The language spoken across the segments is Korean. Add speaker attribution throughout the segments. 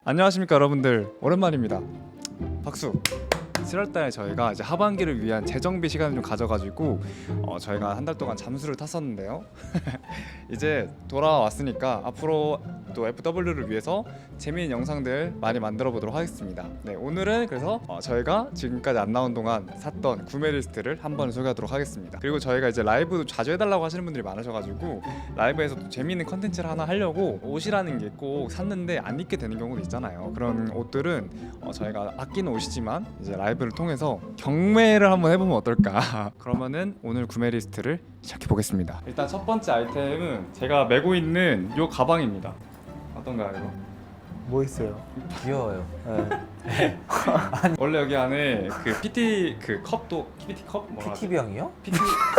Speaker 1: 안녕하십니까 여러분들, 오랜만입니다. 박수. 7월달에 저희가 이제 하반기를 위한 재정비 시간을 좀 가져가지고 저희가 한 달 동안 잠수를 탔었는데요. 이제 돌아왔으니까 앞으로 또 FW를 위해서 재미있는 영상들 많이 만들어 보도록 하겠습니다. 네, 오늘은 그래서 저희가 지금까지 안 나온 동안 샀던 구매 리스트를 한번 소개하도록 하겠습니다. 그리고 저희가 이제 라이브도 자주 해달라고 하시는 분들이 많으셔가지고 라이브에서 또 재미있는 컨텐츠를 하나 하려고 옷이라는 게 꼭 샀는데 안 입게 되는 경우도 있잖아요. 그런 옷들은 저희가 아끼는 옷이지만 이제 라이브를 통해서 경매를 한번 해보면 어떨까. 그러면은 오늘 구매 리스트를 시작해 보겠습니다. 일단 첫 번째 아이템은 제가 메고 있는 이 가방입니다. 어떤가요 이거?
Speaker 2: 뭐 있어요?
Speaker 3: 귀여워요.
Speaker 2: 네.
Speaker 1: 원래 여기 안에 그 PT 그 컵도 PT 컵 뭐라 하지?
Speaker 3: PT병이요?
Speaker 1: PT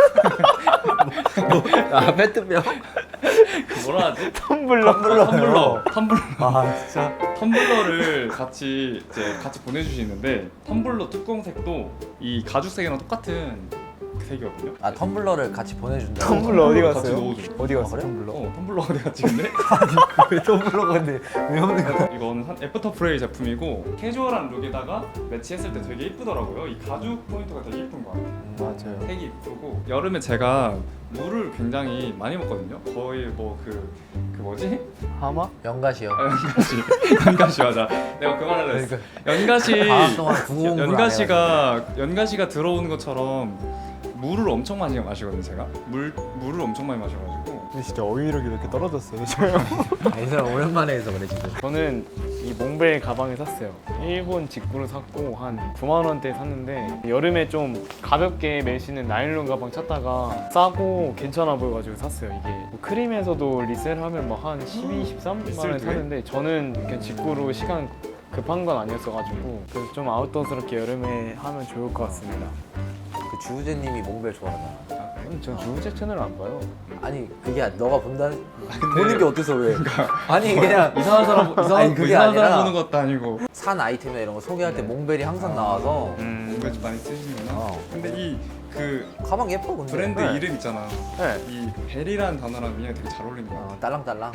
Speaker 3: 아 페트병?
Speaker 1: 그 뭐라 하지?
Speaker 2: 텀블러.
Speaker 1: 텀블러
Speaker 2: 아 진짜?
Speaker 1: 텀블러를 같이 보내주시는데 텀블러 뚜껑색도 이 가죽색이랑 똑같은 그 색이거든요.
Speaker 3: 아 텀블러를 같이 보내준다고?
Speaker 2: 텀블러 어디
Speaker 1: 같이
Speaker 2: 갔어요?
Speaker 1: 넣어줘.
Speaker 2: 어디 갔어?
Speaker 3: 그래?
Speaker 2: 텀블러?
Speaker 1: 텀블러 어디 갔지 근데?
Speaker 2: 왜 텀블러가 근데 왜 없는 거야?
Speaker 1: 이거는 한 애프터 프레이 제품이고 캐주얼한 룩에다가 매치했을 때 되게 이쁘더라고요. 이 가죽 포인트가 되게 이쁜 것 같아요.
Speaker 2: 맞아요.
Speaker 1: 색이 이쁘고 여름에 제가 물을 굉장히 많이 먹거든요. 거의 뭐 그 뭐지?
Speaker 2: 하마?
Speaker 3: 연가시요.
Speaker 1: 연가시 맞아. 내가 그 말을 했어. 연가시
Speaker 3: 방학 동안 구공부를
Speaker 1: 연가시가 들어오는 것처럼 물을 엄청 많이 마시거든요. 제가 물을 엄청 많이 마셔가지고.
Speaker 2: 근데 진짜 어휘력이 왜 이렇게 떨어졌어요 저요?
Speaker 3: 이 사람 오랜만에 해서 그래 지금.
Speaker 4: 저는 이 몽벨 가방을 샀어요. 일본 직구로 샀고 한 9만 원대에 샀는데 여름에 좀 가볍게 멜 수 있는 나일론 가방 찾다가 싸고 괜찮아 보여가지고 샀어요. 이게 뭐 크림에서도 리셀하면 뭐 한 12, 13만 원에
Speaker 1: 리셀도 해?
Speaker 4: 샀는데 저는 그냥 직구로 시간 급한 건 아니었어가지고 그래서 좀 아웃도어스럽게 여름에 하면 좋을 것 같습니다.
Speaker 3: 그 주우재님이 몽벨 좋아하잖아.
Speaker 4: 전 주우재 채널 안 봐요.
Speaker 3: 아니 그게 너가 본다는 보는 게 어때서 왜? 아니 그냥
Speaker 1: 이상한 사람
Speaker 3: 아니, 그게
Speaker 1: 이상한
Speaker 3: 아니라
Speaker 1: 사람 보는 것도 아니고.
Speaker 3: 산 아이템이나 이런 거 소개할 때 몽벨이 항상 나와서
Speaker 1: 뭔가 좀 많이 쓰시는구나. 근데 이 그
Speaker 3: 가방 예뻐 근데.
Speaker 1: 브랜드
Speaker 4: 네.
Speaker 1: 이름 있잖아.
Speaker 4: 네.
Speaker 1: 이 벨이라는 단어랑 그냥 되게 잘 어울리는 거 같아.
Speaker 3: 딸랑딸랑.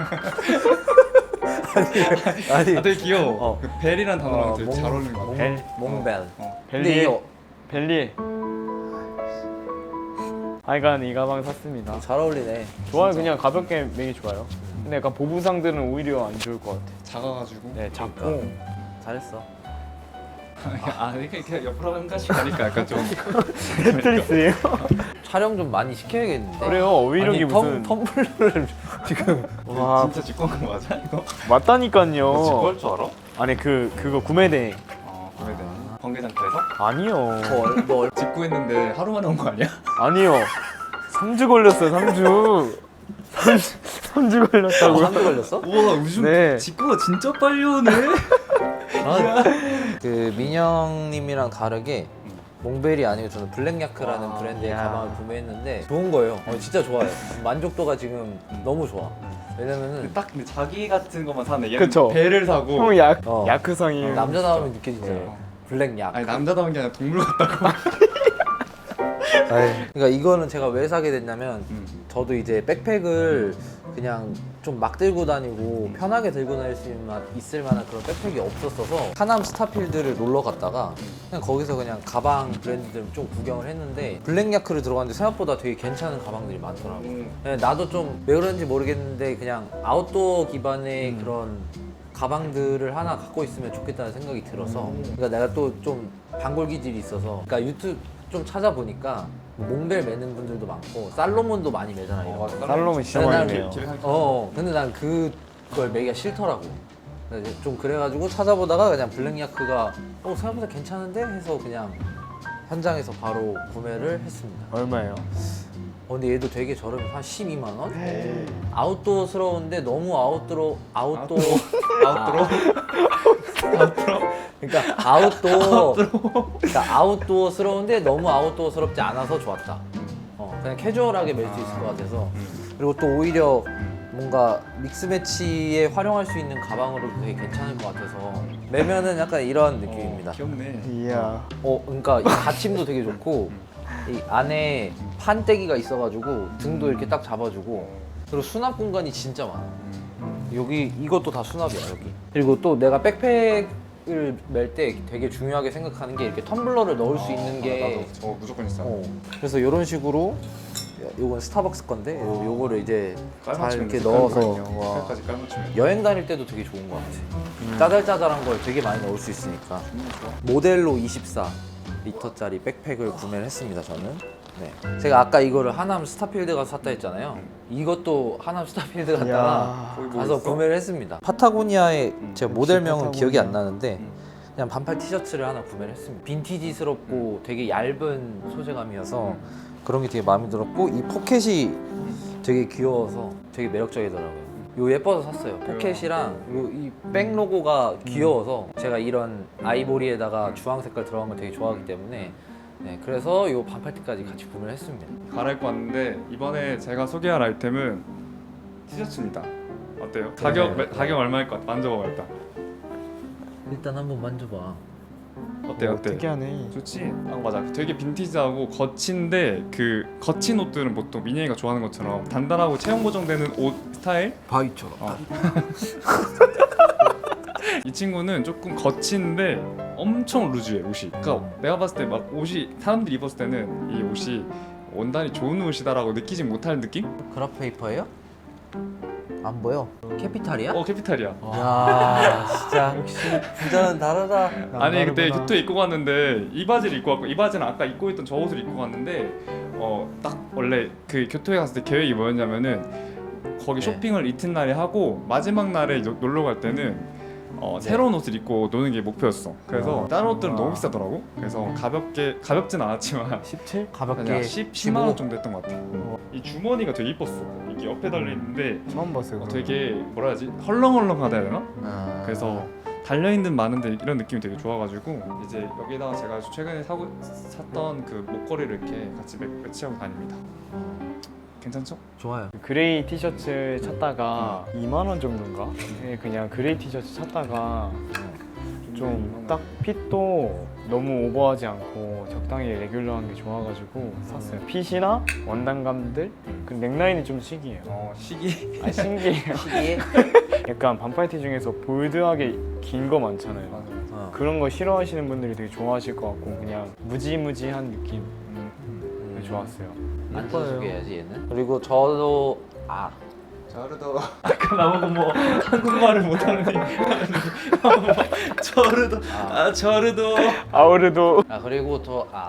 Speaker 1: 아,
Speaker 3: 아니
Speaker 1: 되게 귀여워.
Speaker 3: 어.
Speaker 1: 그 벨이란 단어랑 되게 잘 어울리는 거 같아.
Speaker 4: 벨.
Speaker 3: 몽벨.
Speaker 1: 어.
Speaker 3: 근데
Speaker 4: 벨리에
Speaker 3: 이게
Speaker 4: 벨리에 하여간 이 가방 샀습니다.
Speaker 3: 잘 어울리네.
Speaker 4: 좋아요. 그냥 가볍게 매기 좋아요. 근데 약간 보부상들은 오히려 안 좋을 것 같아.
Speaker 1: 작아가지고.
Speaker 4: 네, 작고
Speaker 3: 그러니까. 잘했어.
Speaker 1: 아 이렇게 옆으로 한 가씩 가니까 약간 좀.
Speaker 4: 테트리스예요?
Speaker 3: 촬영 좀 많이 시켜야겠는데.
Speaker 4: 그래요. 오히려이 무슨
Speaker 3: 텀블러를 지금
Speaker 4: 와
Speaker 1: 진짜 직구한 거 맞아 이거?
Speaker 4: 맞다니까요.
Speaker 1: 직구할 줄 알아?
Speaker 4: 아니 그거 구매대
Speaker 1: 구매대. 번개장터에서?
Speaker 4: 아니요.
Speaker 3: 뭐
Speaker 1: 직구했는데 하루 만에 온 거 아니야?
Speaker 4: 아니요. 3주 걸렸어요. 3주. 3주 걸렸다고요?
Speaker 3: 한개 걸렸어?
Speaker 1: 우와 요즘
Speaker 4: 네.
Speaker 1: 직구가 진짜 빨리 오네.
Speaker 3: 그 민영님이랑 다르게 몽벨이 아니고 저는 블랙야크라는 브랜드의
Speaker 4: 야.
Speaker 3: 가방을 구매했는데 좋은 거예요. 진짜 좋아요. 만족도가 지금 너무 좋아. 왜냐면은
Speaker 1: 딱 근데 자기 같은 것만 사네. 얘는
Speaker 4: 그쵸.
Speaker 1: 배를 사고.
Speaker 4: 형
Speaker 3: 어.
Speaker 4: 야크상이에요.
Speaker 3: 남자다움이 느껴지잖아요.
Speaker 4: 네.
Speaker 3: 블랙야크.
Speaker 1: 아니 남자다운 게 아니라 동물 같다고.
Speaker 3: 그러니까 이거는 제가 왜 사게 됐냐면 저도 이제 백팩을 그냥 좀 막 들고 다니고 편하게 들고 다닐 수 있을 만한 그런 백팩이 없었어서 하남 스타필드를 놀러 갔다가 그냥 거기서 그냥 가방 브랜드들 좀 구경을 했는데 블랙야크를 들어갔는데 생각보다 되게 괜찮은 가방들이 많더라고. 네, 나도 좀 왜 그런지 모르겠는데 그냥 아웃도어 기반의 그런 가방들을 하나 갖고 있으면 좋겠다는 생각이 들어서 그러니까 내가 또 좀 단골 기질이 있어서 그러니까 유튜브 좀 찾아보니까 몽벨 매는 분들도 많고 살로몬도 많이 매잖아요.
Speaker 4: 살롬은 진짜
Speaker 3: 근데
Speaker 4: 많이
Speaker 3: 난
Speaker 4: 매요.
Speaker 3: 근데 난 그걸 매기가 싫더라고. 그래서 좀 그래가지고 찾아보다가 그냥 블랙야크가 생각보다 괜찮은데 해서 그냥 현장에서 바로 구매를 했습니다.
Speaker 4: 얼마예요?
Speaker 3: 근데 얘도 되게 저렴해. 한 12만 원? 아웃도어스러운데 너무 아웃도어. 그러니까 아웃도어스러운데 너무 아웃도어스럽지 않아서 좋았다. 그냥 캐주얼하게 멜 수 있을 것 같아서. 그리고 또 오히려 뭔가 믹스매치에 활용할 수 있는 가방으로도 되게 괜찮을 것 같아서 매면은 약간 이런 느낌입니다.
Speaker 1: 귀엽네.
Speaker 4: 이야.
Speaker 3: 그러니까 이 받침도 되게 좋고 이 안에 판때기가 있어가지고 등도 이렇게 딱 잡아주고 그리고 수납 공간이 진짜 많아. 여기 이것도 다 수납이야 여기. 그리고 또 내가 백팩을 멜 때 되게 중요하게 생각하는 게 이렇게 텀블러를 넣을 수 있는 게.
Speaker 1: 나도 저 무조건 있어.
Speaker 3: 그래서 이런 식으로 요건 스타벅스 건데 요거를 이제 잘
Speaker 1: 깔맞춤
Speaker 3: 이렇게 넣어서
Speaker 1: 색깔까지 깔맞춤.
Speaker 3: 여행 다닐 때도 되게 좋은 것 같아. 짜잘짜잘한 걸 되게 많이 넣을 수 있으니까. 모델로 24리터짜리 백팩을 구매를 했습니다 저는. 네. 제가 아까 이거를 하남 스타필드 가서 샀다 했잖아요. 이것도 하남 스타필드 갔다가
Speaker 2: 이야.
Speaker 1: 거기 뭐
Speaker 3: 가서
Speaker 1: 있어?
Speaker 3: 구매를 했습니다. 파타고니아의 제가 모델명은
Speaker 2: 파타고니아.
Speaker 3: 기억이 안 나는데 그냥 반팔 티셔츠를 하나 구매를 했습니다. 빈티지스럽고 되게 얇은 소재감이어서 그런 게 되게 마음에 들었고 이 포켓이 되게 귀여워서 되게 매력적이더라고요. 요 예뻐서 샀어요. 포켓이랑 요 이 백 로고가 귀여워서 제가 이런 아이보리에다가 주황 색깔 들어간 걸 되게 좋아하기 때문에 네, 그래서 요 반팔티까지 같이 구매를 했습니다.
Speaker 1: 갈아입고 왔는데 이번에 제가 소개할 아이템은 티셔츠입니다. 어때요? 가격 얼마일 것 같아? 만져봐 일단.
Speaker 3: 일단 한번 만져봐.
Speaker 1: 어때 어때?
Speaker 2: 특이하네.
Speaker 1: 좋지? 아 맞아. 되게 빈티지하고 거친데 그 거친 옷들은 보통 미니가 좋아하는 것처럼 단단하고 체형 고정되는 옷 스타일.
Speaker 3: 바위처럼.
Speaker 1: 이 친구는 조금 거친데 엄청 루즈해 옷이. 그러니까 내가 봤을 때 막 옷이 사람들이 입었을 때는 이 옷이 원단이 좋은 옷이다라고 느끼지 못할 느낌?
Speaker 3: 그라페이퍼예요? 안 보여. 캐피탈이야?
Speaker 1: 캐피탈이야.
Speaker 3: 야 진짜 역시 부자는 다르다.
Speaker 1: 아니 그때
Speaker 2: 다르구나.
Speaker 1: 교토에 입고 갔는데 이 바지를 입고 왔고 이 바지는 아까 입고 있던 저 옷을 입고 갔는데 딱 원래 그 교토에 갔을 때 계획이 뭐였냐면은 거기
Speaker 3: 네.
Speaker 1: 쇼핑을 이튿날에 하고 마지막 날에 놀러 갈 때는 새로운 옷을 입고 노는 게 목표였어. 그래서 다른 옷들은 너무 비싸더라고. 그래서 가볍진 않았지만
Speaker 2: 17?
Speaker 3: 가볍게
Speaker 1: 10만 원 정도 했던 것 같아. 이 주머니가 되게 이뻤어. 이게 옆에 달려 있는데
Speaker 2: 처음 봤어요. 그거.
Speaker 1: 되게 뭐라 해야지 헐렁헐렁하다 해야 되나?
Speaker 3: 아.
Speaker 1: 그래서 달려있는 많은데 이런 느낌이 되게 좋아가지고 이제 여기다가 제가 최근에 샀던 그 목걸이를 이렇게 같이 매치하고 다닙니다. 괜찮죠?
Speaker 3: 좋아요.
Speaker 4: 그레이 티셔츠 찾다가 2만 원 정도인가? 네, 그냥 그레이 티셔츠 찾다가 좀 딱 핏도 너무 오버하지 않고 적당히 레귤러한 게 좋아가지고 샀어요. 핏이나 원단감들, 그 넥라인이 좀 신기해요.
Speaker 1: 시기.
Speaker 4: 아 신기해요.
Speaker 3: 시기에
Speaker 4: 약간 반팔티 중에서 볼드하게 긴 거 많잖아요. 그런 거 싫어하시는 분들이 되게 좋아하실 것 같고 그냥 무지무지한 느낌 좋았어요.
Speaker 3: 앉아서 소개해야지 얘는. 그리고 저도
Speaker 1: 저르도 아까 나보고 뭐 한국말을 못하는데 저르도 저르도
Speaker 4: 아우르도
Speaker 3: 그리고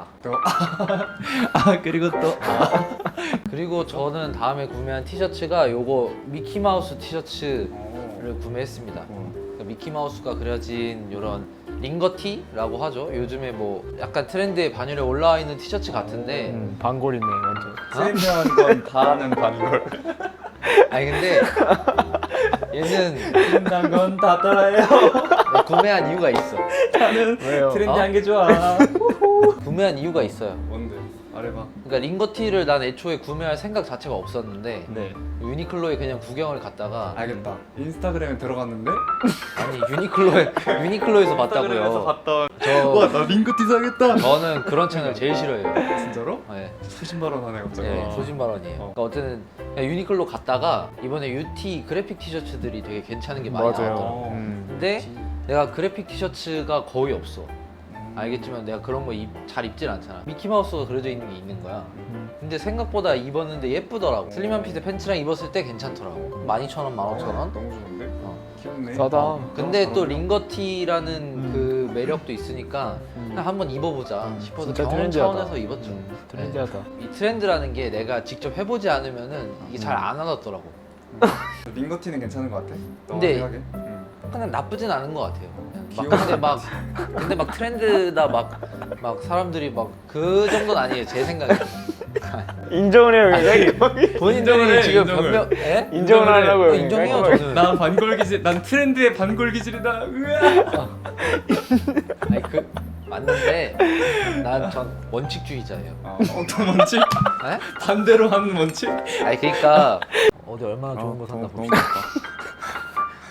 Speaker 1: 그리고 또
Speaker 3: 그리고 저는 다음에 구매한 티셔츠가 요거 미키마우스 티셔츠를 구매했습니다. 그러니까 미키마우스가 그려진 요런 링거티라고 하죠. 요즘에 뭐 약간 트렌드에 반열에 올라와 있는 티셔츠 같은데
Speaker 4: 반골이네 완전.
Speaker 1: 트렌드한 건 다 아는 반걸.
Speaker 3: 아니 근데 얘는
Speaker 1: 트렌드한 건 다 따라해요.
Speaker 3: 구매한 이유가 있어.
Speaker 1: 나는
Speaker 4: 왜요?
Speaker 1: 트렌디한 게 좋아.
Speaker 3: 구매한 이유가 있어요.
Speaker 1: 뭔데? 말해봐.
Speaker 3: 그러니까 링거티를 난 애초에 구매할 생각 자체가 없었는데
Speaker 1: 네.
Speaker 3: 유니클로에 그냥 구경을 갔다가
Speaker 1: 알겠다. 인스타그램에 들어갔는데
Speaker 3: 아니 유니클로에서 봤다고요.
Speaker 1: 봤던.
Speaker 3: 저
Speaker 1: 나 링크티 사겠다.
Speaker 3: 저는 그런 채널 제일 싫어해요.
Speaker 1: 진짜로?
Speaker 3: 네,
Speaker 1: 소신 발언하네 갑자기.
Speaker 3: 네 소신 발언이에요. 그러니까 어쨌든 그냥 유니클로 갔다가 이번에 UT 그래픽 티셔츠들이 되게 괜찮은 게 많이
Speaker 4: 맞아요.
Speaker 3: 나왔더라고.
Speaker 1: 음.
Speaker 3: 근데 내가 그래픽 티셔츠가 거의 없어. 알겠지만 내가 그런 거 잘 입질 않잖아. 미키마우스가 그려져 있는 게 있는 거야. 근데 생각보다 입었는데 예쁘더라고. 슬림한 핏의 팬츠랑 입었을 때 괜찮더라고. 12,000원, 15,000원?
Speaker 1: 너무 좋은데? 귀엽네.
Speaker 4: 싸다.
Speaker 3: 근데 또 링거티라는 그 매력도 있으니까 그냥 한번 입어보자 싶어서
Speaker 4: 진짜
Speaker 3: 경험
Speaker 4: 트렌디하다.
Speaker 3: 차원에서 입었죠.
Speaker 4: 트렌디하다.
Speaker 3: 이 트렌드라는 게 내가 직접 해보지 않으면은 이게 잘 안 와닿더라고.
Speaker 1: 링거티는 괜찮은 것 같아.
Speaker 3: 근데-
Speaker 1: 생각해?
Speaker 3: 그냥 나쁘진 않은 것 같아요. 근데 막 트렌드다 막 사람들이 막 그 정도는 아니에요. 제 생각에.
Speaker 4: 인정을 해요 굉장히.
Speaker 3: 본인들이 지금
Speaker 1: 인정을.
Speaker 3: 변명, 예?
Speaker 4: 인정을 하려고요.
Speaker 3: 인정해요
Speaker 4: 깔끔하게.
Speaker 3: 저는.
Speaker 1: 난 반골 기질, 난 트렌드의 반골 기질이다. 으아.
Speaker 3: 아니 그 맞는데 난 전 원칙주의자예요.
Speaker 1: 어떤 원칙?
Speaker 3: 에?
Speaker 1: 반대로 하는 원칙?
Speaker 3: 아니 그러니까 어디 얼마나 좋은 거 샀나
Speaker 1: 너무
Speaker 3: 봅시다.
Speaker 1: 좋다.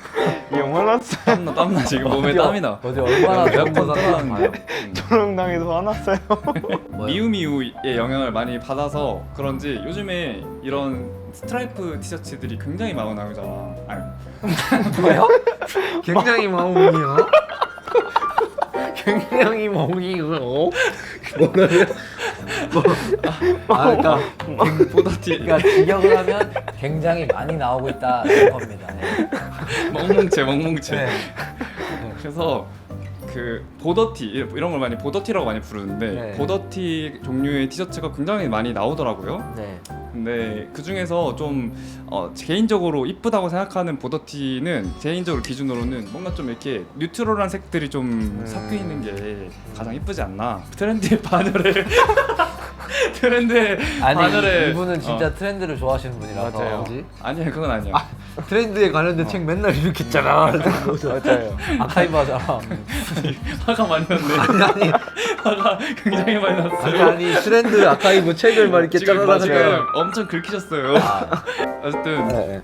Speaker 4: 형 화났어요.
Speaker 1: 땀나 지금 몸에 땀이 나.
Speaker 3: 어디 얼마나 좋은
Speaker 1: 에어컨
Speaker 3: 거
Speaker 1: 틀어놨는데.
Speaker 4: 초롱당해서 화났어요.
Speaker 1: 미우미우의 영향을 많이 받아서 그런지 요즘에 이런 스트라이프 티셔츠들이 굉장히 많이 나오잖아. 아니,
Speaker 3: 뭐요? 굉장히 멍이요? 굉장히 멍이요? 뭐라고요? 그러니까
Speaker 1: 보더티
Speaker 3: 그러니까 직역을 하면 굉장히 많이 나오고 있다 이런 겁니다. 네.
Speaker 1: 멍뭉채.
Speaker 3: 네.
Speaker 1: 그래서 그 보더티 이런 걸 많이 보더티라고 많이 부르는데
Speaker 3: 네.
Speaker 1: 보더티 종류의 티셔츠가 굉장히 많이 나오더라고요.
Speaker 3: 네.
Speaker 1: 근데 그 중에서 좀 개인적으로 이쁘다고 생각하는 보더티는 개인적으로 기준으로는 뭔가 좀 이렇게 뉴트럴한 색들이 좀 섞여 있는 게 가장 이쁘지 않나. 트렌드의 반열에 트렌드의
Speaker 3: 아니
Speaker 1: 반열에
Speaker 3: 이분은 진짜 트렌드를 좋아하시는 분이라서.
Speaker 4: 맞아요.
Speaker 3: 뭐지?
Speaker 1: 아니야 그건 아니야.
Speaker 3: 트렌드에 관련된 책 맨날 이렇게 있잖아.
Speaker 4: 맞아요.
Speaker 3: 아카이브 하잖아.
Speaker 1: 화가 많이 났네.
Speaker 3: 아니
Speaker 1: 화가 굉장히 많이 났어요.
Speaker 3: 아니 트렌드 아카이브 책을 막 이렇게
Speaker 1: 지금
Speaker 3: 짜라라라.
Speaker 1: 지금 엄청 긁히셨어요. 어쨌든
Speaker 3: 네.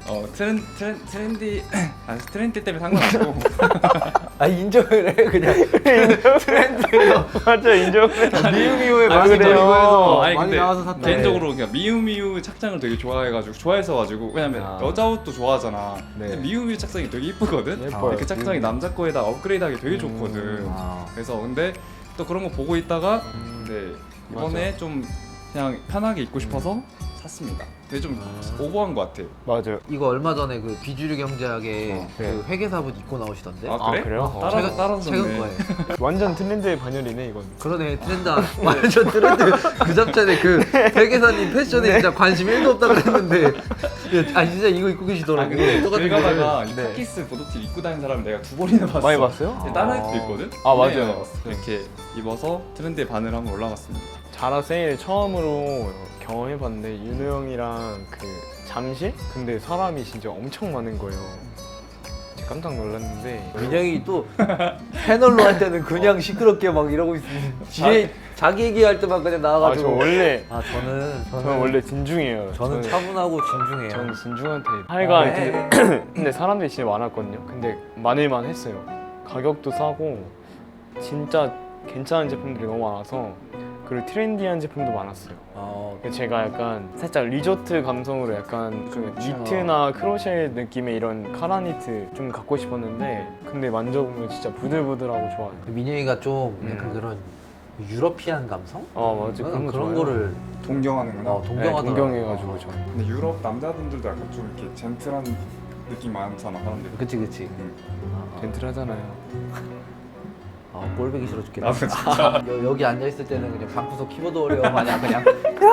Speaker 1: 트렌드 때문에 상관없고
Speaker 3: 아 인정을 해 그냥. 트렌드에서
Speaker 4: 맞아 인정해.
Speaker 3: 미우미우의
Speaker 1: 아,
Speaker 3: 많이
Speaker 1: 그래요?
Speaker 3: 걸리고
Speaker 1: 아니,
Speaker 3: 많이
Speaker 1: 근데
Speaker 3: 나와서 샀다.
Speaker 1: 개인적으로 그냥 미우미우 착장을 되게 좋아했어가지고 왜냐면
Speaker 3: 아.
Speaker 1: 여자 옷도 좋아하잖아.
Speaker 3: 네.
Speaker 1: 근데 미우미우 착장이 되게 이쁘거든.
Speaker 4: 예뻐요.
Speaker 1: 그 착장이 남자 거에다 업그레이드하기 되게 좋거든.
Speaker 3: 아.
Speaker 1: 그래서 근데 또 그런 거 보고 있다가 근데 이번에 좀 그냥 편하게 입고 싶어서 샀습니다. 근데 좀 오버한 것 같아.
Speaker 4: 맞아요.
Speaker 3: 이거 얼마 전에 그 비주류 경제학에 그
Speaker 4: 네.
Speaker 3: 회계사분 입고 나오시던데.
Speaker 1: 아 그래?
Speaker 4: 그래요?
Speaker 1: 따라서
Speaker 3: 최근
Speaker 1: 줬네.
Speaker 3: 거예요.
Speaker 4: 완전 트렌드의 반열이네 이건.
Speaker 3: 그러네 트렌드 완전 트렌드 그 잡전에 그 회계사님 패션에 진짜 관심 1도 없다 그랬는데 아 진짜 이거 입고
Speaker 1: 아
Speaker 3: 계시더라고.
Speaker 1: 근데
Speaker 3: 똑같은
Speaker 1: 길 가다가
Speaker 3: 거를.
Speaker 1: 이
Speaker 3: 네.
Speaker 1: 카키스 보도티 입고 다니는 사람 내가 2번이나 봤어.
Speaker 4: 많이 봤어요?
Speaker 1: 다른 애도 있거든?
Speaker 4: 아, 맞아요.
Speaker 1: 네, 이렇게 입어서 트렌드의 반을 한번 올라갔습니다.
Speaker 4: 자라 세일 처음으로 경험해봤는데 윤호 형이랑 그 잠실? 근데 사람이 진짜 엄청 많은 거예요. 진짜 깜짝 놀랐는데
Speaker 3: 민영이 또 패널로 할 때는 그냥 시끄럽게 막 이러고 있으면 뒤에 자기 얘기할 때만 그냥
Speaker 4: 아, 저
Speaker 3: 나와가지고
Speaker 4: 원래
Speaker 3: 저는
Speaker 4: 원래 진중해요.
Speaker 3: 저는 차분하고 진중해요.
Speaker 4: 저는 진중한 타입. 하여간
Speaker 3: 네.
Speaker 4: 근데 사람들이 진짜 많았거든요. 근데 많을만 했어요. 가격도 싸고 진짜 괜찮은 제품들이 너무 많아서 그리고 트렌디한 제품도 많았어요. 제가 약간 살짝 리조트 감성으로 약간 그 니트나 크로셰 느낌의 이런 카라니트 좀 갖고 싶었는데 근데 만져보면 진짜 부들부들하고 좋아요.
Speaker 3: 민영이가 좀 약간 그런 유러피안 감성?
Speaker 4: 맞아 그런 거
Speaker 3: 그런
Speaker 4: 좋아요.
Speaker 3: 거를
Speaker 1: 동경하는구나.
Speaker 3: 동경하더라고.
Speaker 4: 동경해가지고 저.
Speaker 1: 근데 유럽 남자분들도 약간 좀 이렇게 젠틀한 느낌 많잖아 사람들이.
Speaker 3: 그치.
Speaker 4: 젠틀하잖아요.
Speaker 3: 꼴보기 싫어 죽겠다.
Speaker 1: 나도 진짜.
Speaker 3: 여기 앉아 있을 때는 그냥 방구석 키보드 어려워 마냥 그냥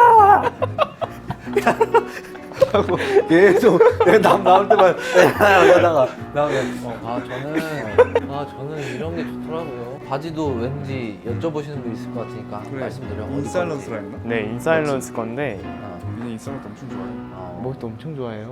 Speaker 3: 하고 계속 남 나올 때만 하다가 나오면 저는 이런 게 좋더라고요. 바지도 왠지 여쭤보시는 분 있을 것 같으니까
Speaker 1: 그래.
Speaker 3: 말씀드려.
Speaker 1: 인사이런스라 했나?
Speaker 4: 네 인사일런스 건데
Speaker 1: 민이 인사이런스 엄청 좋아해.
Speaker 4: 목도 엄청 좋아해요.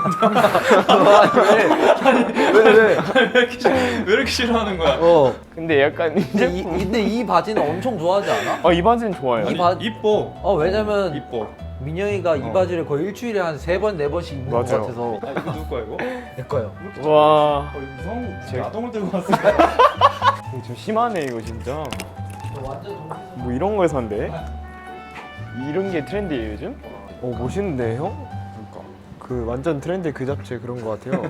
Speaker 3: 왜?
Speaker 1: 왜 이렇게 싫어하는 거야?
Speaker 4: 근데 약간
Speaker 3: 근데 이 바지는 엄청 좋아하지 않아?
Speaker 4: 이 바지는 좋아요.
Speaker 3: 이 바-
Speaker 1: 이뻐.
Speaker 3: 왜냐면
Speaker 1: 이뻐.
Speaker 3: 민영이가 이 바지를 거의 일주일에 한 3번, 4번씩 입는 것
Speaker 4: 맞아요.
Speaker 3: 같아서
Speaker 1: 아 이거 누구 거야 이거?
Speaker 3: 내 거요.
Speaker 4: 와,
Speaker 1: 이거 이상한
Speaker 4: 제-
Speaker 1: 야동을 들고 왔어.
Speaker 4: 이거 좀 심하네 이거 진짜.
Speaker 3: 완전
Speaker 4: 뭐 이런 걸 산대? 이런 게 트렌디예요 요즘? 멋있는데 형?
Speaker 1: 그러니까.
Speaker 4: 그 완전 트렌드 그 잡채 그런 거 같아요.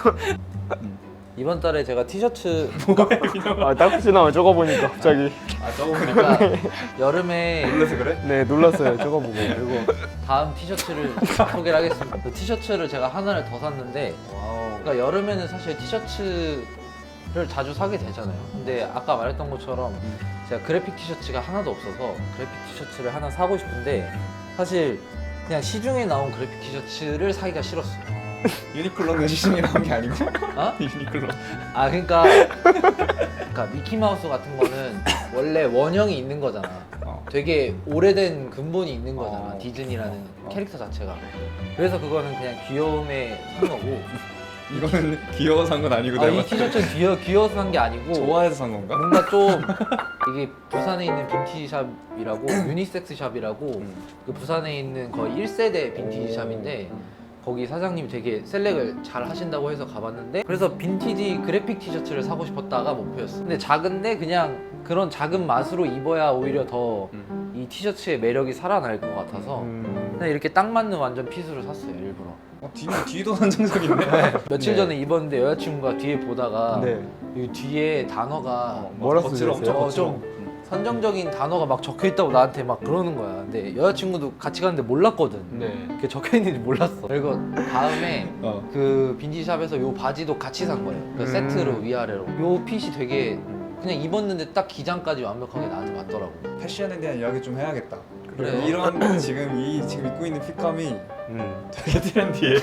Speaker 3: 이번 달에 제가 티셔츠
Speaker 4: 딱 혹시 나만 적어보니까 갑자기.
Speaker 1: 저거 보니까
Speaker 3: 그러니까 여름에
Speaker 1: 놀라서 그래?
Speaker 4: 네 놀랐어요 적어보고.
Speaker 3: 그리고 다음 티셔츠를 소개를 하겠습니다. 그 티셔츠를 제가 하나를 더 샀는데 그러니까 여름에는 사실 티셔츠를 자주 사게 되잖아요. 근데 아까 말했던 것처럼 제가 그래픽 티셔츠가 하나도 없어서 그래픽 티셔츠를 하나 사고 싶은데 사실 그냥 시중에 나온 그래픽 티셔츠를 사기가 싫었어요.
Speaker 1: 유니클로는 시중에 나온 게 아니고.
Speaker 3: 어?
Speaker 1: 유니클로.
Speaker 3: 그러니까 미키마우스 같은 거는 원래 원형이 있는 거잖아. 되게 오래된 근본이 있는 거잖아. 디즈니라는 캐릭터 자체가. 그래서 그거는 그냥 귀여움에 산 거고.
Speaker 1: 이거는 귀여워서 산 건 아니고
Speaker 3: 이 티셔츠는 귀여워서 산 게 아니고
Speaker 1: 좋아해서 산 건가?
Speaker 3: 뭔가 좀 이게 부산에 있는 빈티지 샵이라고 유니섹스 샵이라고 그 부산에 있는 거의 1세대 빈티지 샵인데 거기 사장님이 되게 셀렉을 잘 하신다고 해서 가봤는데 그래서 빈티지 그래픽 티셔츠를 사고 싶었다가 목표였어. 근데 작은데 그냥 그런 작은 맛으로 입어야 오히려 더 이 티셔츠의 매력이 살아날 것 같아서 그냥 이렇게 딱 맞는 완전 핏으로 샀어요 일부러.
Speaker 1: 뒤도 선정적인데.
Speaker 3: 며칠 전에 입었는데 여자친구가 뒤에 보다가
Speaker 2: 네.
Speaker 3: 이 뒤에 단어가
Speaker 2: 뭐라
Speaker 1: 거칠어,
Speaker 2: 쓰셨어요?
Speaker 1: 엄청 거칠어.
Speaker 3: 좀 선정적인 단어가 막 적혀 있다고 나한테 막 그러는 거야. 근데 여자친구도 같이 갔는데 몰랐거든.
Speaker 2: 네.
Speaker 3: 그게 적혀 있는지 몰랐어. 그리고 다음에 그 빈티지샵에서 요 바지도 같이 산 거예요. 그 세트로 위아래로. 요 핏이 되게 그냥 입었는데 딱 기장까지 완벽하게 나한테 맞더라고.
Speaker 1: 패션에 대한 이야기 좀 해야겠다.
Speaker 3: 그래.
Speaker 1: 이런 지금 입고 있는 핏감이 되게 트렌디해.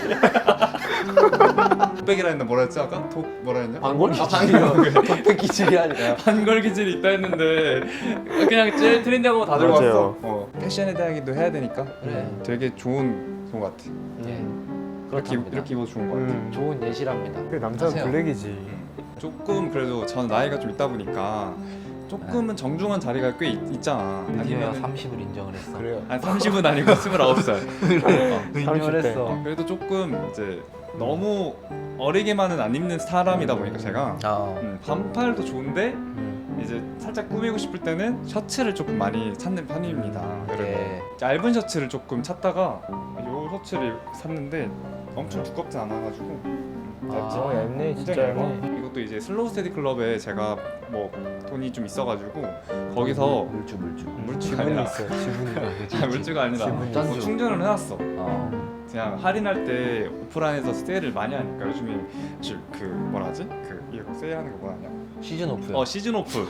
Speaker 1: 독백이라 했나 뭐라 했지 아까? 뭐라 했냐?
Speaker 3: 반골
Speaker 1: 아,
Speaker 3: 기질이요. 독백 기질이 아니라.
Speaker 1: 반걸 기질이 있다 했는데 그냥 제일 트렌디하고 다 들고
Speaker 2: 맞아요.
Speaker 1: 왔어. 패션에 대한 얘기도 해야 되니까
Speaker 3: 그래.
Speaker 1: 되게 좋은 것 같아.
Speaker 3: 예.
Speaker 1: 이렇게 입어도 좋은 것 같아.
Speaker 3: 좋은 예시랍니다.
Speaker 2: 그 남자는
Speaker 3: 하세요.
Speaker 2: 블랙이지.
Speaker 1: 조금 그래도 전 나이가 좀 있다 보니까 조금은 정중한 자리가 꽤 있잖아.
Speaker 3: 드디어 30을 인정을 했어.
Speaker 2: 그래요.
Speaker 1: 아니 30은 아니고 29살.
Speaker 3: 인정을
Speaker 2: 30대.
Speaker 3: 했어.
Speaker 1: 그래도 조금 이제 너무 어리게만은 안 입는 사람이다 보니까 제가 반팔도 좋은데 이제 살짝 꾸미고 싶을 때는 셔츠를 조금 많이 찾는 편입니다. 그래서
Speaker 3: 네.
Speaker 1: 얇은 셔츠를 조금 찾다가 요 셔츠를 샀는데 엄청 두껍지 않아가지고 얇지.
Speaker 2: 얇네, 진짜
Speaker 1: 굉장히 얇아.
Speaker 2: 얇네.
Speaker 1: 이것도 이제 슬로우 스테디 클럽에 제가 뭐 돈이 좀 있어가지고 거기서
Speaker 3: 물주.
Speaker 1: 물주가
Speaker 2: 지분이
Speaker 1: 아니라
Speaker 2: 있어요. 지분이.
Speaker 1: 물주가 아니라
Speaker 2: 지분이
Speaker 1: 뭐
Speaker 3: 있어.
Speaker 1: 충전을 해놨어. 그냥 할인할 때 오프라인에서 세일을 많이 하니까 요즘에 그 뭐라 하지? 그 이거 세일하는 거 뭐라 하냐?
Speaker 3: 시즌 오프요.
Speaker 1: 시즌 오프.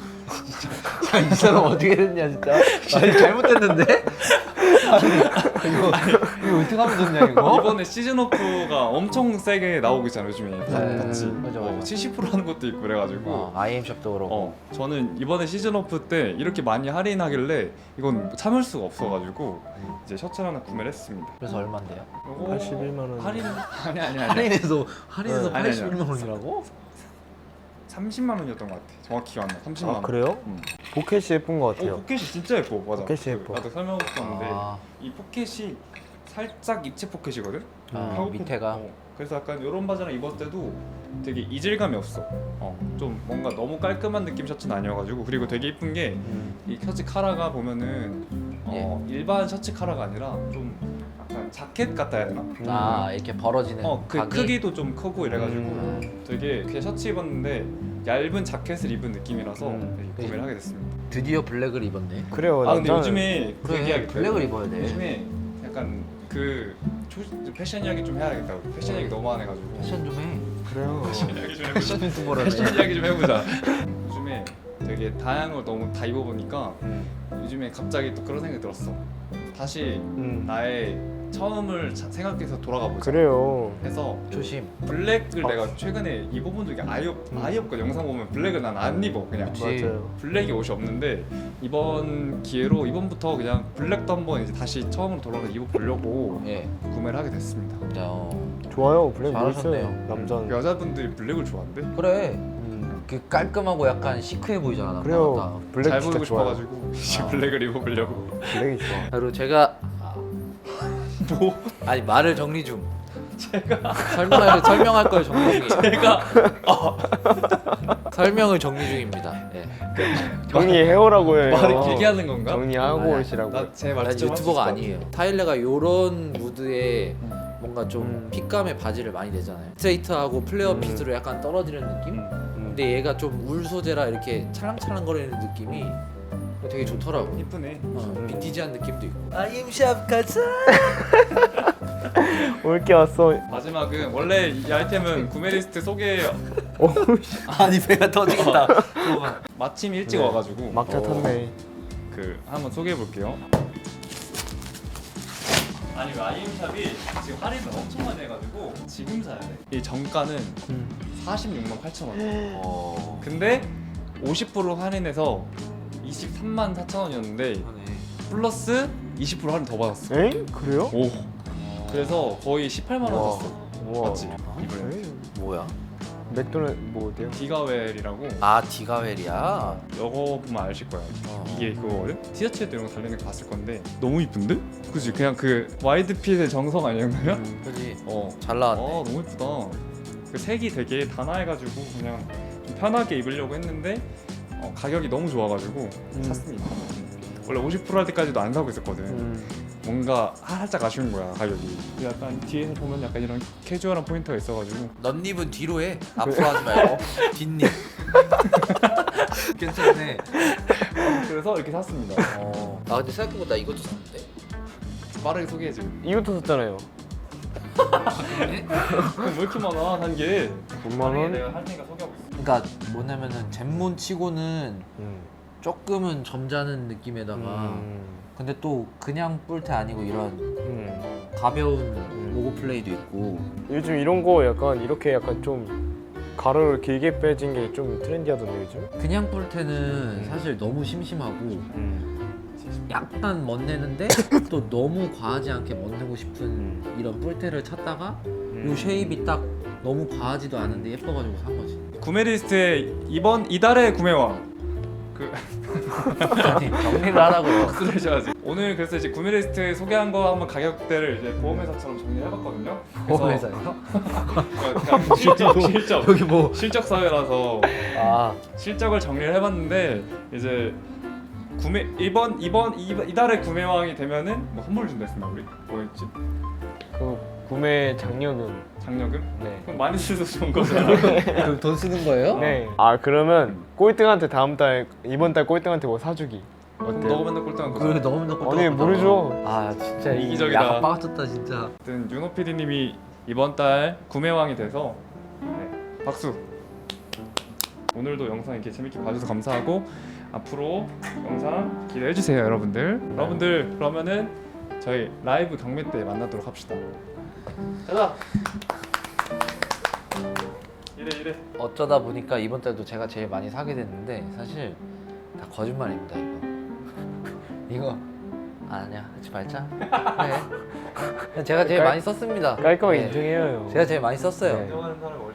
Speaker 3: 이 사람 어떻게 됐냐 진짜. 아니 잘못됐는데? 이거 어떻게 하면 좋냐 이거?
Speaker 1: 이번에 시즌 오프가 엄청 세게 나오고 있잖아요 요즘에 같이.
Speaker 3: 맞아.
Speaker 1: 70% 하는 것도 있고 그래가지고.
Speaker 3: IM샵도 그렇고.
Speaker 1: 저는 이번에 시즌 오프 때 이렇게 많이 할인하길래 이건 참을 수가 없어가지고 이제 셔츠 하나 구매를 했습니다.
Speaker 3: 그래서 얼마인데요?
Speaker 1: 요거
Speaker 2: 81만 원.
Speaker 1: 할인 아니
Speaker 3: 할인해서
Speaker 1: 아니, 아니.
Speaker 3: 81만 원이라고?
Speaker 1: 30만 원이었던 것 같아. 정확히 기억 안 나. 30만
Speaker 2: 아
Speaker 1: 원.
Speaker 2: 그래요? 포켓이 예쁜 것 같아요.
Speaker 1: 포켓이 진짜 예뻐. 맞아.
Speaker 2: 포켓이 예뻐.
Speaker 1: 나도 설명하고 싶었는데
Speaker 3: 아,
Speaker 1: 이 포켓이 살짝 입체 포켓이거든.
Speaker 3: 밑에가.
Speaker 1: 그래서 약간 이런 바지랑 입었을 때도 되게 이질감이 없어. 좀 뭔가 너무 깔끔한 느낌 셔츠는 아니어가지고 그리고 되게 이쁜 게 이 셔츠 카라가 보면은 일반 셔츠 카라가 아니라 좀 약간 자켓 같다 해야 되나?
Speaker 3: 아 이렇게 벌어지는
Speaker 1: 그
Speaker 3: 각이?
Speaker 1: 크기도 좀 크고 이래가지고 되게 그냥 셔츠 입었는데 얇은 자켓을 입은 느낌이라서 되게 구매를 하게 됐습니다.
Speaker 3: 드디어 블랙을 입었네.
Speaker 2: 그래요.
Speaker 1: 아 근데
Speaker 2: 남자는-
Speaker 1: 요즘에 그
Speaker 3: 그래
Speaker 1: 얘기하겠다.
Speaker 3: 블랙을 입어야 돼.
Speaker 1: 요즘에 약간 그 패션 이야기 좀 해야겠다. 패션 이야기 너무 안 해가지고.
Speaker 3: 패션 좀 해.
Speaker 2: 그래요.
Speaker 1: 패션 이야기 좀 해보자.
Speaker 3: 패션 유튜버라네.
Speaker 1: 패션 이야기 좀 해보자. 요즘에 되게 다양한 걸 너무 다 입어보니까 요즘에 갑자기 또 그런 생각이 들었어. 다시 나의 처음을 생각해서 돌아가 보자.
Speaker 2: 그래요.
Speaker 1: 해서
Speaker 3: 조심.
Speaker 1: 블랙을 내가 최근에 입어본 적이 아예 없거든. 영상 보면 블랙을 난 안 입어 그냥.
Speaker 3: 그치.
Speaker 2: 맞아요.
Speaker 1: 블랙이 옷이 없는데 이번 기회로 이번부터 그냥 블랙도 한번 이제 다시 처음으로 돌아가 입어보려고
Speaker 3: 예.
Speaker 1: 구매를 하게 됐습니다.
Speaker 3: 자,
Speaker 2: 좋아요. 블랙
Speaker 3: 잘하셨네요.
Speaker 2: 멋있어요. 남자는.
Speaker 1: 여자분들이 블랙을 좋아한대.
Speaker 3: 그래. 그 깔끔하고 약간 시크해 보이잖아.
Speaker 2: 그래요. 블랙
Speaker 1: 잘
Speaker 2: 진짜
Speaker 1: 보이고
Speaker 2: 좋아요.
Speaker 1: 싶어가지고 이제 블랙을 입어보려고.
Speaker 2: 블랙이 좋아.
Speaker 3: 그리고 제가
Speaker 1: 뭐?
Speaker 3: 아니 말을 정리 중. 제가 설명할 걸 정리 중이에요.
Speaker 1: 제가
Speaker 3: 설명을 정리 중입니다. 예.
Speaker 2: 정리해오라고 해요.
Speaker 1: 말을 길게 하는 건가?
Speaker 2: 정리하고
Speaker 3: 아니,
Speaker 2: 오시라고.
Speaker 1: 나제말
Speaker 3: 난 유튜버가 아니에요. 타일러가 요런 무드에 뭔가 좀 핏감의 바지를 많이 내잖아요. 스트레이트하고 플레어 핏으로 약간 떨어지는 느낌? 근데 얘가 좀 울 소재라 이렇게 찰랑찰랑거리는 느낌이 되게 좋더라고.
Speaker 1: 이쁘네.
Speaker 3: 빈티지한 느낌도 있고. IM샵 가자.
Speaker 2: 올게 왔어.
Speaker 1: 마지막은 원래 이 아이템은 구매 리스트 소개
Speaker 3: 아니 배가 터지겠다.
Speaker 1: 마침 일찍
Speaker 2: 네.
Speaker 1: 와가지고
Speaker 2: 막차 탔네.
Speaker 1: 그 한번 소개해 볼게요. 아니 아이엠샵이 지금 할인을 엄청 많이 해가지고 지금 사야 돼. 이 정가는 46만 8천 원. 근데 50% 할인해서 23만 4천 원이었는데 플러스 20% 할인 더 받았어.
Speaker 2: 에? 그래요?
Speaker 1: 오. 그래서 거의 18만 원
Speaker 2: 우와.
Speaker 1: 샀어.
Speaker 2: 우와.
Speaker 1: 맞지? 이번에.
Speaker 3: 뭐야?
Speaker 2: 맥도날드 뭐 어때요?
Speaker 1: 디가웰이라고
Speaker 3: 아 디가웰이야.
Speaker 1: 이거 보면 아실 거예요.
Speaker 3: 어.
Speaker 1: 이게 그거거든? 티셔츠에도 이런 거 달리는 거 봤을 건데 너무 이쁜데? 그치? 그냥 그 와이드핏의 정성 아니었나요?
Speaker 3: 그지.
Speaker 1: 어.
Speaker 3: 잘 나왔네.
Speaker 1: 너무 이쁘다. 그 색이 되게 단아해가지고 그냥 좀 편하게 입으려고 했는데 가격이 너무 좋아가지고 샀습니다. 원래 50%할 때까지도 안 사고 있었거든. 뭔가 살짝 아쉬운 거야 가격이. 약간 뒤에서 보면 약간 이런 캐주얼한 포인트가 있어가지고
Speaker 3: 넌입은 뒤로 해. 앞으로 하지 말고 뒷입. 괜찮네.
Speaker 1: 그래서 이렇게 샀습니다.
Speaker 3: 아 근데 생각해보다 이것도 샀는데.
Speaker 1: 빠르게 소개해줘.
Speaker 4: 이것도 샀잖아요.
Speaker 3: 그래?
Speaker 1: 왜 이렇게 많아 산 게?
Speaker 2: 5만 원?
Speaker 1: 내가 할 테니까 소개하고 있어.
Speaker 3: 그러니까 뭐냐면은 젠몬 치고는 조금은 점잖은 느낌에다가 근데 또 그냥 뿔테 아니고 이런 가벼운 로고 플레이도 있고.
Speaker 2: 요즘 이런 거 약간 이렇게 약간 좀 가로를 길게 빼진 게 좀 트렌디하던데 요즘?
Speaker 3: 그냥 뿔테는 사실 너무 심심하고 약간 멋내는데 또 너무 과하지 않게 멋내고 싶은 이런 뿔테를 찾다가 요 쉐입이 딱 너무 과하지도 않은데 예뻐가지고 산 거지.
Speaker 1: 구매 리스트에 이달의 구매왕 그
Speaker 3: 아니 정리를 하라고요.
Speaker 1: 박수를 해줘야지. 오늘 그래서 이제 구매 리스트 소개한 거 한번 가격대를 이제 보험회사처럼 정리해봤거든요.
Speaker 3: 보험회사요?
Speaker 1: 그냥 실적
Speaker 3: 여기 뭐
Speaker 1: 실적 사회라서
Speaker 3: 아
Speaker 1: 실적을 정리를 해봤는데 이제 이달의 구매왕이 되면은 뭐 선물 준다 했었나 우리? 뭐였지?
Speaker 2: 그 구매 장려금.
Speaker 1: 장려금?
Speaker 2: 네.
Speaker 1: 그럼 많이 쓰서 좋은 거잖아.
Speaker 3: 그럼 돈 쓰는 거예요?
Speaker 2: 네. 아 그러면 꼴등한테 이번 달 꼴등한테 뭐 사주기.
Speaker 1: 너가
Speaker 2: 어때요?
Speaker 1: 맨날 꼴등한
Speaker 3: 그래
Speaker 1: 거잖아.
Speaker 3: 너무 넣고
Speaker 2: 아니 모르죠.
Speaker 3: 아 진짜
Speaker 1: 이기적이다.
Speaker 3: 약간 빠졌다 진짜.
Speaker 1: 아무튼 윤호 PD님이 이번 달 구매왕이 돼서 네, 박수. 오늘도 영상 이렇게 재밌게 봐주셔서 감사하고 앞으로 영상 기대해 주세요, 여러분들. 여러분들 그러면은 저희 라이브 경매 때 만나도록 합시다. 가자. 이래.
Speaker 3: 어쩌다 보니까 이번 달도 제가 제일 많이 사게 됐는데 사실 다 거짓말입니다 이거 아니야 하지 말자. 그래. 그냥 제가 제일 많이 썼습니다.
Speaker 2: 깔끔하게
Speaker 3: 네.
Speaker 2: 인정해요.
Speaker 3: 제가 제일 많이 썼어요.
Speaker 2: 네.
Speaker 1: 인정하는 사람이